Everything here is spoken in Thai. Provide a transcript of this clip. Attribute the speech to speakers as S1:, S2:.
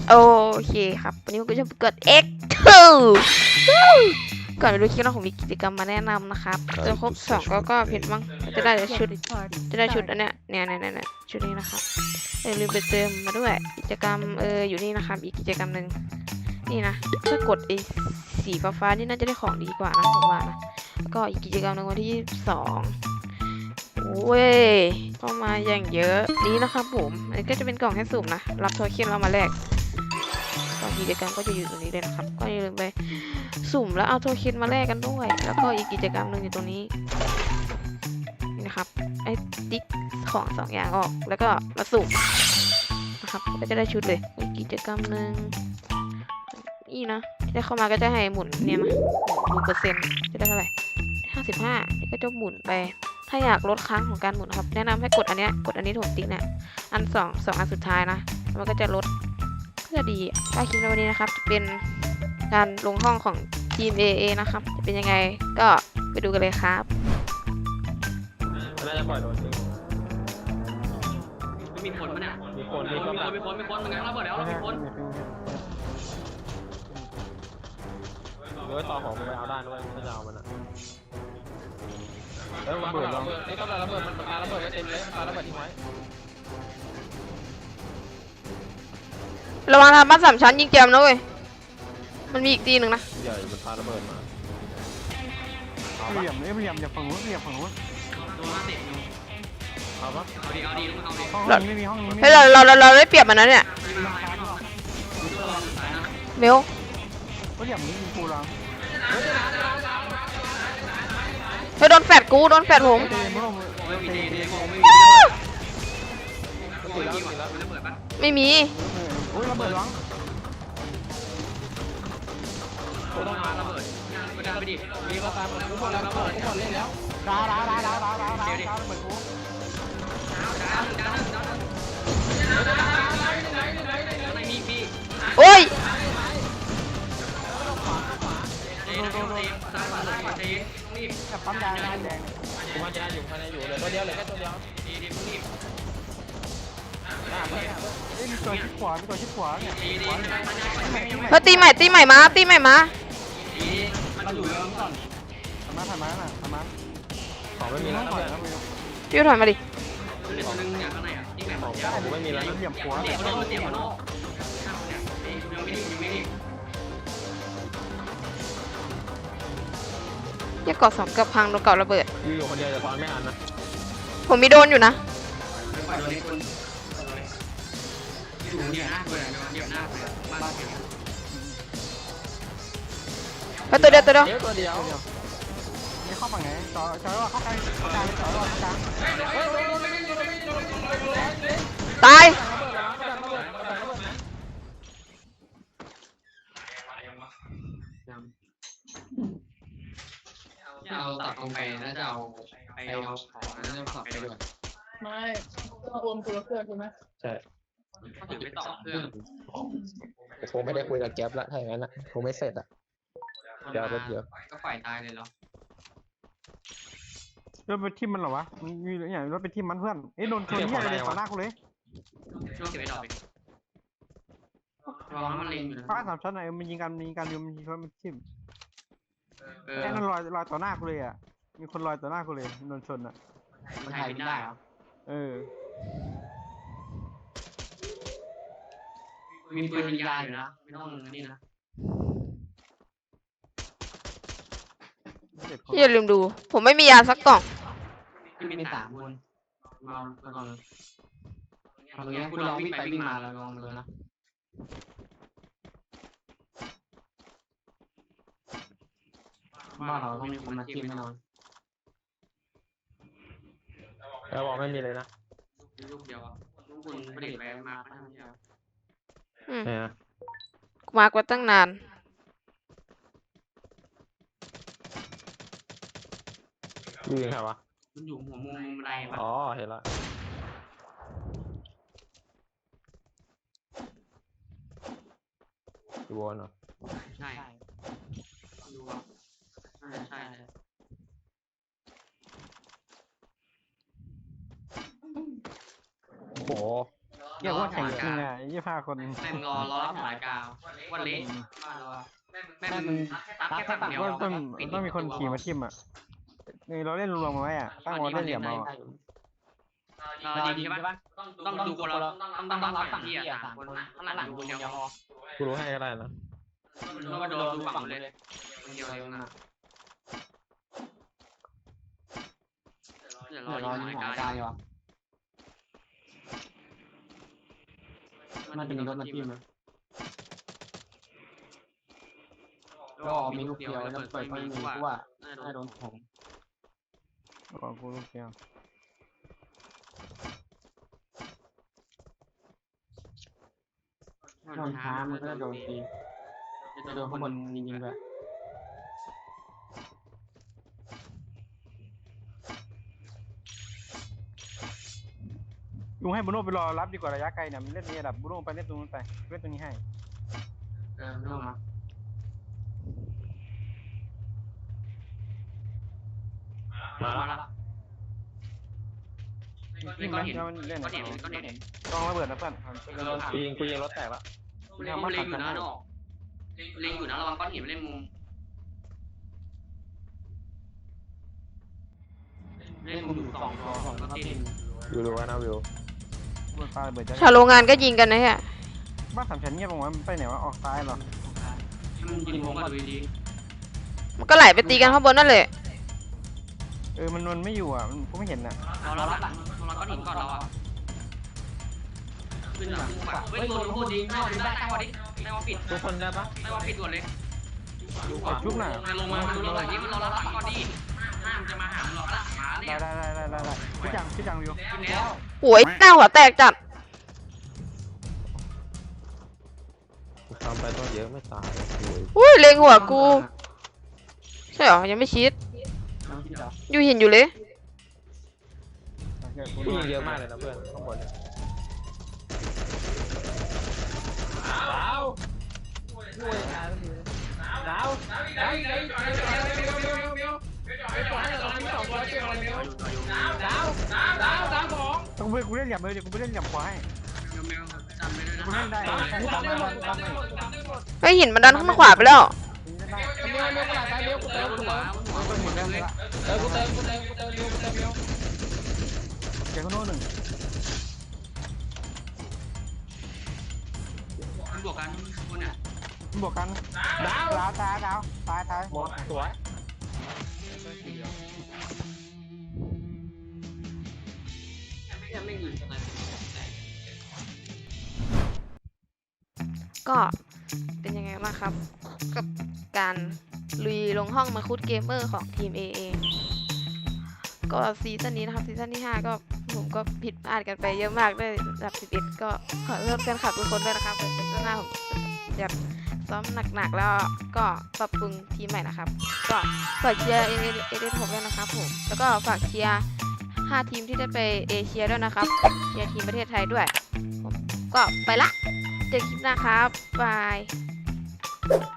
S1: โอเคครับวันนี้ผมก็จะกด X ก่อนไปดูคลิปเราผมมีกิจกรรมมาแนะนำนะครับเติมครบ299เพชรมั้งจะได้ชุดอันเนี้ยเนี่ยชุดนี้นะครับลืมไปเติมมาด้วยกิจกรรมอยู่นี่นะครับอีกกิจกรรมหนึ่งนี่นะถ้ากดไอ้สีฟ้านี่น่าจะได้ของดีกว่านะผมว่านะแล้วก็อีกกิจกรรมหนึ่งวันที่22โอ้ยเข้ามาอย่างเยอะนี้นะครับผมอันนี้ก็จะเป็นกล่องให้สุ่มนะรับโทเค็นเรามาแลกกิจกรรมก็จะอยู่ตรงนี้เลยนะครับก็อย่าลืมไปสุ่มแล้วเอาโทเค็นมาแลกกันด้วยแล้วก็อีกกิจกรรมหนึ่งอยู่ตรงนี้นี่นะครับไอ้ติ๊กของ2อย่างออกแล้วก็มาสุ่มนะครับก็จะได้ชุดเลยอีกกิจกรรมหนึ่งนี่นะที่ได้เข้ามาก็จะให้หมุนเนี่ยนะหมุนเปอร์เซ็นต์จะได้เท่าไหร่55นี่ก็จะหมุนไปถ้าอยากลดครั้งของการหมุนครับแนะนำให้กดอันนี้ถูกติ๊กเนี่ยอัน2อันสุดท้ายนะมันก็จะลดเพื่อดีถ้าคลิปในวันนี้นะครับจะเป็นการลงห้องของทีม AA นะครับจะเป็นยังไงก็ไปดูกันเลยครับ
S2: น่าจะปล่อยโดนจริง
S3: ไม่มีคนมั้ยเนี่ย
S2: มีคนมัน
S3: งั้นเราเปิดแล้วมีคน
S2: ด้วยต่อของมันไปเอาด้านด้วยไม่จะเอามันอ่ะแล้วระเบิดลองนี่ต้องระเบิดมันปาระเบิดไว้เต็มเลยปาระเบิดทิ้งไว้
S1: ระวังทำบ้าน3 ชั้นยิงแจมนะเว้ยมันมีอีกตีหนึ่งนะ
S2: ใหญ่มันปาระเบิดมา
S4: เหลี่ยมอย่าฝั่งนู้น
S3: โดนมาติด
S2: เอาปะ
S3: เอาดี
S4: ห้องนี้ไม่มีห้องนี้
S1: เฮ้ยเราได้เปรียบมันนะเนี่ยเบล
S4: ก็เหลี่ยมนี้มีกูรัง
S1: เฮ้ยโดนแฟดผมไม่มี
S4: โอ้ยระเบิดรัง
S3: ต้องมาระเบิดไม่ได้ไปดิมีก็ตามกูหมดแล้วระเบิดเล่นแล้ว
S4: ดาระเบิดกู
S1: โอ้ย
S4: กับปั๊มแดง
S2: ผมว่าจะอยู่ภายในอยู่เลยตัวเดียวเลยแค่ตัวเดียว
S4: มีตัวชิดขวาเนี่ย
S1: เฮ้ยตีใหม่มา
S3: มันอยู่แล้วก่อน
S4: ทำมา
S2: ของไม่มีแล้ว
S1: พี่ถอยมาดิ
S3: ตัวนึงอย่างข้างในอ่ะยิ่งแบบ
S2: ผมไม่มีแล้ว
S4: เหลี่ยมขวา
S3: เสียบโน่ยังไม่ดี
S1: อย่ากอด2กับพังโดนเกาะระเบิด
S2: อยู่คนเดียวจะซ้อนไม่อันนะ
S1: ผมมีโดนอยู่นะ
S3: อยู่เดียวหน้าเบ้าน
S1: เฮ้ยตัวเดียว
S4: นี่เข้าฝั่งไหนจอว่าเข้ากลางจอว่าเข้ากลาง
S1: ตาย
S3: เอาตัดลงไปแล้วจะเอาของแล้วจะขับไปด้วย
S5: ไม่ต้องโอนคนละเครื่องใช่ไหม
S2: ใช่
S3: ถึงไปต่อเครื่อง
S2: คงไม่ได้คุยกับแก๊ปละถ้าอย่างนั้นนะคงไม่เสร็จอ่ะเดี๋ยว
S3: ก็ฝ่ายตายเลยเหรอ
S4: รถไปทิมมันเหรอวะมีอย่างรถไปทิมมันเพื่อนโดนชนเนี่ยเลยต่อหน้ากูเลย
S3: ช่วงเก็บไว้ดอกไปร้องมันเล็งอยู่นะ
S4: ฟ้า3 ชั้นไหนมันยิงกันอยู่มันยิงมันทิมแค่นั้นลอยต่อหน้ากูเลยอ่ะมีคนลอยต่อหน้ากูเลยโดนชนอ่ะ
S3: มันถ่ายไม่ได้เหรอมีปืนยิงยาอยู่นะไม่ต้องนี่นะ
S1: อย่าลืมดูผมไม่มียาสักกล่อง
S3: มี3 คนมาก่อนตรงนี้คุณลองวิ่งไปวิ่งมาแล้วลองเลยนะบ้านเราต้องมีคนมาจิ้มแน่นอน
S2: แล้วบอกไม่มีเลยนะ
S3: ลูกเดียวลูกคุณผลิตไปมาทั้งเดียว
S1: กูมากว่าตั้งนาน
S2: ยืนใครวะ
S3: มันอยู่หัวมุมไรปะ
S2: อ๋อเห็นละดูบอลเหรอ
S3: ใช่ดูอ่ะใช่
S2: โอ้โห
S4: เรียกว่าแข่งจริงอ่ะ25 คน
S3: แม่งรอรับสายกาววันเละบ้านเราอะแม่งมึงตัดแค่ฝั่งเดียว
S4: ต้องมีคนขี่มาทิมอ่ะนี่เราเล่นรวมๆมาไว้อ่ะตั้งวอลเล่นเหลี่ยมเอา
S3: ดีใช่ปะต้องดูคนเราต้องรับฝั่งที่อ่ะ3 คนข้างหลังดูคนเดียวพอ
S2: กูรู้ให้ก็ได้นะ
S3: แล้วก็ดูฝั่งเลยคนเดียวเลยนะเดี๋ยวรออยู่หายกายว่ะมันจะมีรถมาทิ่มเลยก็มีลูกเดียวแล้วเปิดไฟมีกูว่าน่าโดนผม
S4: บอกกูลูกเดียว
S3: โดนท้ามันก็โดนตีจะโดนข้างบนยิงด้วย
S4: ลุงให้บุโน่ไปรอรับดีกว่าระยะไกลเนี่ยมันเล่นนี่ระดับบุโน่ไปเล่นตรงนู้นไปเล่นตรงนี้ให้
S3: ไม่ต้องมามาละ
S4: ยิงไหมแล้วมันเล่น
S3: ก็
S4: เนี่ย
S3: เห็นก็เห็น
S4: ต้องระเบิดนะเพื่อน
S2: กูยิงรถแตกละ
S3: เล็งอยู่นะออกเล็งอยู่นะระวังก้อนหินเล่นมุมเล่นมุมอยู่2 ตัวก็ตีน
S2: วิวรู้ว่านะวิว
S4: ปาระเบิดจะ
S1: ชาวโรงงานก็ยิงกันนะฮะ
S4: บ้านสามชั้นเงียบลงวะมันไปไหนวะออกซ้ายเหรอ
S3: มันยิงมุมก็ดูดี
S1: มันก็ไหลไปตีกันข้างบนนั่นแหละ
S4: มันไม่อยู่อ่ะมันกูไม่เห็นอ่ะ
S3: เรารับหลังเราก้อนหินก่อนเราอ่ะขึ้นหลังเฮ้ยตัวพูดดีได้ตั้งวันนี้ได้ว่าปิด
S2: ทุกคนได้ปะ
S3: ได้ว่าปิดด่วนเลย
S4: ชุบหน่ะ
S3: ลงมาดูเราหน่อยที่มันรอรับก่อนดิห้ามจะมาหาเราละหาเนี่ย
S4: ได้พี่จังวิว
S3: กินแล้ว
S1: โอ้ยหน้าหัวแตกจัด
S2: กูทำไปต้องเยอะไม่ตายโอ้ย
S1: อุ้ยเล็งหัวกูใช่เหรอยังไม่ชิดอยู่เห็นอยู่เลย
S2: กูยิงเยอะมากเลยนะเพื่อนข้างบนเนี่ย
S4: ต้องไปกูเล่นเหลี่ยมเลยเดี๋ยวกูไปเล่นเหลี่ยมขวาให้กูเล่นได้
S1: เฮ้ยหินมันดันข้างขวาไปแล้ว
S4: เดี๋ยวกูโน่นหนึ่ง
S3: มันบวกกันคนเนี่ย
S4: บวกกันดาวตาย
S2: หมดสวย
S3: ไม่อยู่ตรงนั้น
S1: ก็เป็นยังไงบ้างครับ กับการลุยลงห้องมาคุดเกมเมอร์ของทีม AA ก็ซีซั่นนี้นะครับซีซั่นที่ 5 ก็ผมก็ผิดพลาดกันไปเยอะมากได้ระดับ 11 ก็ขอโทษแฟนคลับทุกคนด้วยนะครับเป็นซีซั่นหน้าผมจะซ้อมหนักๆแล้วก็ปรับปรุงทีมใหม่นะครับก็ฝากเชียร์ AA ผมด้วยนะครับผมแล้วก็ฝากเชียร์5 ทีมที่จะไปเอเชียด้วยนะครับเชียร์ทีมประเทศไทยด้วยผมก็ไปละเจอคลิปหน้าครับบาย